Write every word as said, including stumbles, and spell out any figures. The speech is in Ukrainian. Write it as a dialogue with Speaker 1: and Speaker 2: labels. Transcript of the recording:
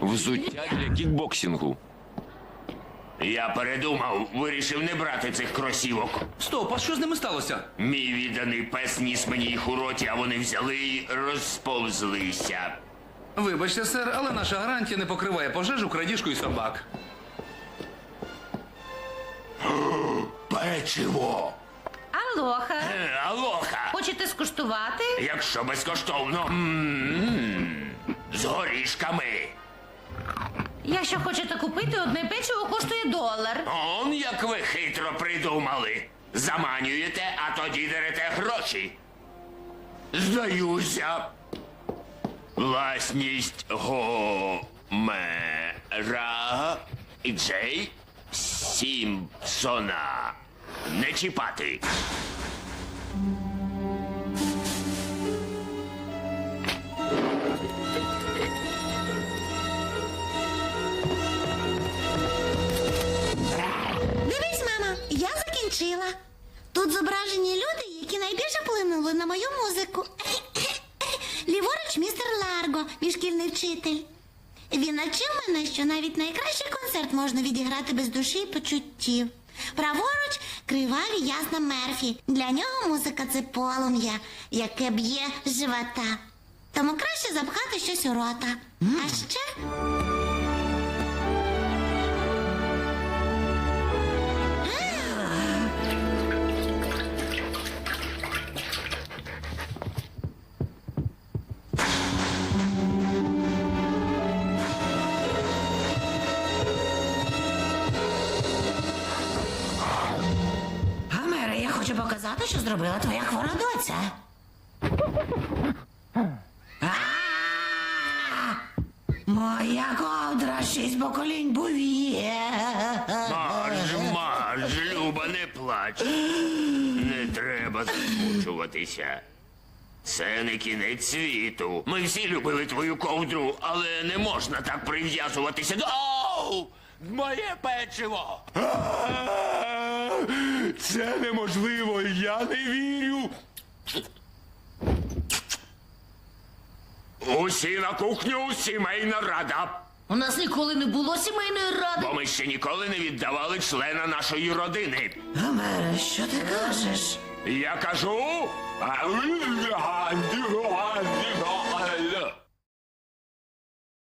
Speaker 1: Взуття для кікбоксингу.
Speaker 2: Я передумав, вирішив не брати цих кросівок.
Speaker 3: Стоп, а що з ними сталося?
Speaker 2: Мій відданий пес ніс мені їх у роті, а вони взяли і розповзлися.
Speaker 3: Вибачте, сер, але наша гарантія не покриває пожежу, крадіжку і собак.
Speaker 2: Печиво!
Speaker 4: Алоха.
Speaker 2: Е, Алоха!
Speaker 4: Хочете скуштувати?
Speaker 2: Якщо безкоштовно. М-м-м. З горішками.
Speaker 4: Якщо хочете купити, одне печиво коштує долар.
Speaker 2: Он як ви хитро придумали. Заманюєте, а тоді дерете гроші. Здаюся. Власність Гомера і Джей Сімпсона. Не чіпати.
Speaker 5: Дивись, мама, я закінчила. Тут зображені люди, які найбільше вплинули на мою музику. Ліворуч містер Ларго, мій шкільний вчитель. Він навчив мене, що навіть найкращий концерт можна відіграти без душі і почуттів. Праворуч криваві ясна Мерфі. Для нього музика це полум'я, яке б'є з живота. Тому краще запхати щось у рота. А ще...
Speaker 6: Гомере, я хочу показати, що зробила твоя хвора доця. А! Моя ковдра шість поколінь був'є.
Speaker 2: Марж, марж, Люба, не плач. Не треба засмучуватися. Це не кінець світу. Ми всі любили твою ковдру, але не можна так прив'язуватися до... Оу! Моє печиво! Це неможливо, я не вірю. Усі на кухню, сімейна рада.
Speaker 4: У нас ніколи не було сімейної ради.
Speaker 2: Бо ми ще ніколи не віддавали члена нашої родини.
Speaker 6: Гомере, що ти кажеш?
Speaker 2: Я кажу...